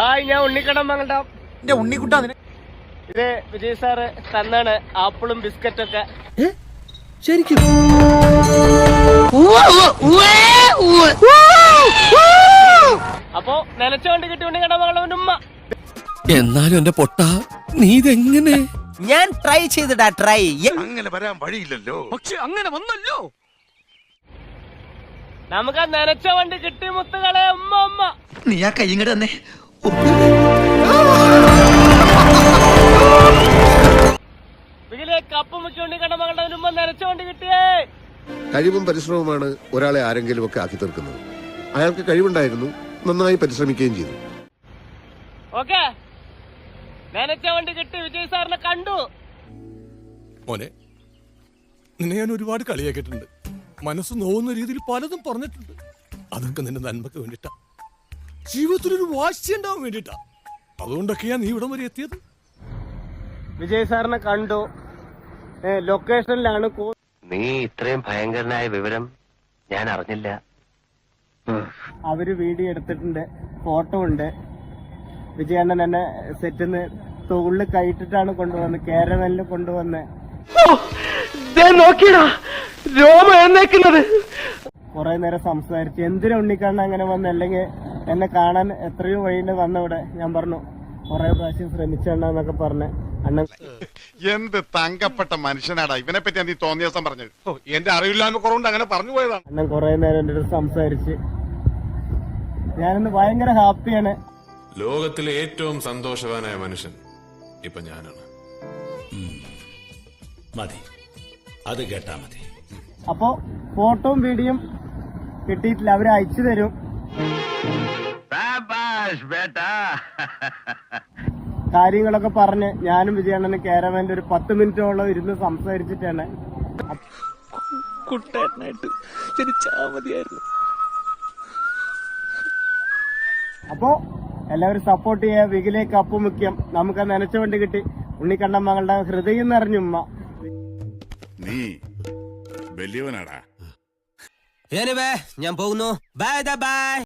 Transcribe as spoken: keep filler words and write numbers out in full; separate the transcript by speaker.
Speaker 1: Hi, ഞാൻ ഉണ്ണിക്കടം മങ്ങണ്ട.
Speaker 2: എന്റെ ഉണ്ണിക്കുട്ടാ.
Speaker 1: ഇത് വിജയ് സാറ് തന്നാണ് ആപ്പിളും ബിസ്ക്കറ്റും ഒക്കെ.
Speaker 2: ശരിക്കും
Speaker 1: അപ്പൊ നനച്ചോണ്ട് കിട്ടി ഉണ്ണിക്കടം മംഗളവന്റെ ഉമ്മ.
Speaker 3: എന്നാലും എന്റെ പൊട്ട നീ ഇതെങ്ങനെ?
Speaker 2: ഞാൻ ട്രൈ ചെയ്തിടാ ട്രൈ.
Speaker 4: അങ്ങനെ വരാൻ വഴിയില്ലല്ലോ.
Speaker 3: പക്ഷെ അങ്ങനെ വന്നല്ലോ.
Speaker 1: നമുക്ക് ആ നനച്ച വണ്ടി കിട്ടി മുത്തുകളെ ഉമ്മ ഉമ്മ.
Speaker 2: നീ ആ കൈ ഇങ്ങോട്ട് തന്നെ.
Speaker 1: ഇതിലെ കപ്പ് മുക്കി ഉണ്ണിക്കടം മംഗളവന്റെ ഉമ്മ നനച്ച വണ്ടി കിട്ടിയേ.
Speaker 5: കഴിവും പരിശ്രമവുമാണ് ഒരാളെ ആരെങ്കിലും ഒക്കെ ആക്കി തീർക്കുന്നത്. അയാൾക്ക് കഴിവുണ്ടായിരുന്നു, നന്നായി പരിശ്രമിക്കുകയും ചെയ്തു.
Speaker 1: ഓക്കെ, നനച്ച വണ്ടി കിട്ടി. വിജയ് സാറിനെ കണ്ടു.
Speaker 3: മോനെ, നിന്നെ ഞാൻ ഒരുപാട് കളിയാക്കിയിട്ടുണ്ട്. മനസ്സ് നോവുന്ന രീതിയിൽ പലതും പറഞ്ഞിട്ടുണ്ട്. അതൊക്കെ നിന്റെ നന്മക്ക് വേണ്ടിട്ടാ, ജീവിതത്തിലൊരു വാശി ഉണ്ടാവാൻ വേണ്ടിട്ടാ. അതുകൊണ്ടൊക്കെയാ നീ ഇവിടം വരെ എത്തിയത്.
Speaker 1: വിജയ് സാറിനെ കണ്ടു. ലൊക്കേഷനിലാണ്.
Speaker 6: നീ ഇത്രയും ഭയങ്കരനായ വിവരം ഞാൻ അറിഞ്ഞില്ല.
Speaker 1: അവര് വീഡിയോ എടുത്തിട്ടുണ്ട്, ഫോട്ടോ ഉണ്ട്. വിജയണ്ണൻ എന്നെ സെറ്റിന്ന് തോളിൽ കൈയിട്ടിട്ടാണ് കൊണ്ടുവന്ന്, കേരവനിൽ കൊണ്ടുവന്ന് നോക്കിയടാ രോമ എഴുന്നേക്കുന്നത്. കുറെ നേരം സംസാരിച്ചു. എന്തിനാ ഉണ്ണിക്കണ്ണ അങ്ങനെ വന്ന്, അല്ലെങ്കിൽ എന്നെ കാണാൻ എത്രയോ വഴിയുണ്ട് വന്നവിടെ. ഞാൻ പറഞ്ഞു കുറെ പ്രാവശ്യം ശ്രമിച്ചെണ്ണന്നൊക്കെ പറഞ്ഞ്. അണ്ണൻ
Speaker 4: എന്ത് തങ്കപ്പെട്ട മനുഷ്യനാടാ. ഇവനെ പറ്റി നീ തോന്നിയ ദിവസം പറഞ്ഞത്. എന്റെ അറിവില്ലായ്മ കുറവുണ്ട് അങ്ങനെ പറഞ്ഞു പോയതാണ്.
Speaker 1: അണ്ണൻ കുറെ നേരം എൻ്റെ അടുത്ത് സംസാരിച്ച്. ഞാനിന്ന് ഭയങ്കര ഹാപ്പിയാണ്.
Speaker 7: ലോകത്തിലെ ഏറ്റവും സന്തോഷവാനായ മനുഷ്യൻ ഇപ്പൊ ഞാനാണ്.
Speaker 8: മതി, അത് കേട്ടാ മതി.
Speaker 1: അപ്പോ ഫോട്ടോയും വീഡിയോയും കിട്ടിയിട്ടില്ല, അവര് അയച്ചു തരും. കാര്യങ്ങളൊക്കെ പറഞ്ഞ് ഞാനും വിജയണ്ണന് കേരവന്റെ ഒരു പത്ത് മിനിറ്റോളം ഇരുന്ന് സംസാരിച്ചിട്ടാണ്.
Speaker 3: കുട്ടേട്ടനായിട്ട് ജനിച്ചാ മതിയായിരുന്നു.
Speaker 1: അപ്പോ എല്ലാവരും സപ്പോർട്ട് ചെയ്യാ. വികിലേക്ക് അപ്പ് മുഖ്യം. നമുക്ക് നനച്ച വണ്ടി കിട്ടി. ഉണ്ണിക്കണ്ണൻ മകളുടെ ഹൃദയം നിറഞ്ഞുമ്മ.
Speaker 4: നീ വലിയവനാടാ.
Speaker 2: ഞാൻ പോകുന്നു. Bye by.